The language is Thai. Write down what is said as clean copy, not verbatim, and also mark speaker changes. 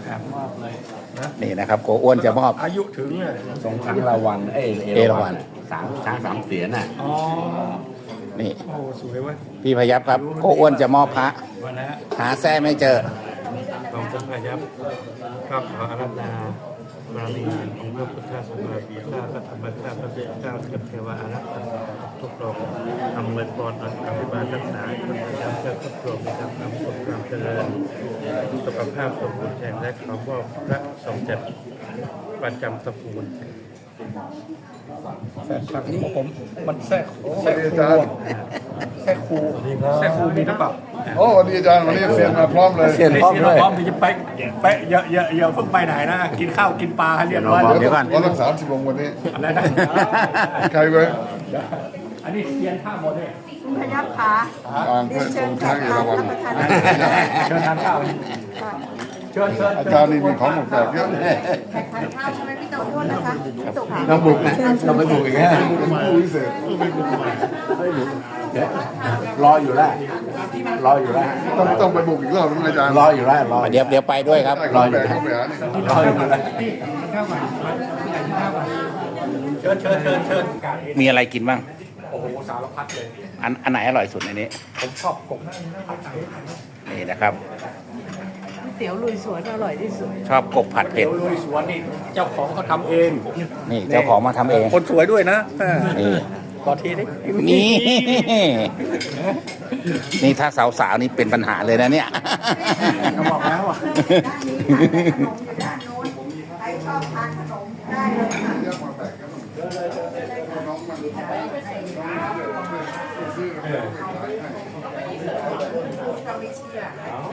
Speaker 1: นี่นะครับโกอ้วนจะมอบ
Speaker 2: อายุถึงเนี่ย
Speaker 3: ทรงช้างราวัณเอราวัณช้างสามเสียนน่ะ
Speaker 2: อ๋อ
Speaker 1: นี่
Speaker 2: โอ้สวยเว้ย
Speaker 1: พี่พยับครับโกอ้วนจะมอบพระ
Speaker 2: วันนะ
Speaker 1: หาแท้ไม่เจอ
Speaker 2: ของท่านพายัพก็ขออาราธนาบารมีของพระพุทธศาสนาสีข้าพระธรรมข้าพระเจ้าเจ้าเทวาอารักขาทุกโลกทำเงินปอนอันอภิบาลรักษาคนพยายามเพื่อครอบครัวมีความสุขความเจริญสุขภาพสมบูรณ์แข็งและขอมอบพระสมเด็จประจำตระกูลแทรกฟังนี้ผมมันแทรกครูแทรกครูมีหรือเปล่า
Speaker 4: โอ้สวัสดีอาจารย์วันนี้เสียงมาพร้อมเลย
Speaker 3: เสียนพร้อมเลย
Speaker 2: พร้อมที่จะไปอย่าเพิ่งไปไหนนะกินข้าวกินปลาให้เรียบร้อย
Speaker 1: เดี๋ยวก่อน
Speaker 4: วันละ30 องค์วันนี้
Speaker 2: อะไรนะ
Speaker 4: ใครเว้ย
Speaker 2: อันนี้เรียนข้าวหมดเลย
Speaker 5: คุณพยับขา
Speaker 4: อ่าง
Speaker 5: เรียน
Speaker 4: ท
Speaker 5: เชิ
Speaker 4: ร
Speaker 5: ญ
Speaker 4: ง
Speaker 5: แข
Speaker 4: ช้าง
Speaker 5: ก
Speaker 4: เอ
Speaker 5: ทา
Speaker 4: ราน วัณ
Speaker 5: รับประทานอาหาร
Speaker 2: เชิญทานข้าวเชิญ
Speaker 4: อาจารย์นี่มีของแปลกๆเยอะ
Speaker 5: แขกทานข้าวใช่ไหมพี่โตโทษนะคะพี่โตขา
Speaker 3: ต้องบุกนะต้องไปบุกอีกแล้ว
Speaker 4: เป็นผู้พิเศษ
Speaker 3: รออยู่แล้วรออยู่แล้ว
Speaker 4: ต้องไปบุกอีกรอบนึงอาจารย์
Speaker 3: รออยู่แล้วรอ
Speaker 1: เดี๋ยวไปด้วยครับ
Speaker 4: ได้ของแปลกเข้าไปหานี่
Speaker 3: รออยู่แล้ว
Speaker 2: เชิญ
Speaker 1: มีอะไรกินบ้าง
Speaker 2: โอ้โหสารพัดเลย
Speaker 1: อันไหนอร่อยสุดในนี้
Speaker 2: ผมชอบกบ
Speaker 1: นี่นะครับ
Speaker 5: ก๋วยเตี๋ยวลุยสวนอร่อยที่สุด
Speaker 1: ชอบกบผัดเผ็ด
Speaker 2: ลุยสวนนี่เจ้าของเขาทำเอง
Speaker 1: นี่เจ้าของมาทำเอง
Speaker 2: คนสวยด้วยนะ
Speaker 1: นี่
Speaker 2: ขอทีได้
Speaker 1: นี่ นี่ถ้าสาวๆนี่เป็นปัญหาเลยนะเนี่ย
Speaker 2: เขาบอกแล้วอ่ะ
Speaker 5: ด้านนี้ค่ะขนมอยู่ด้านโน้นใครชอบทานขนมได้เลยค่ะ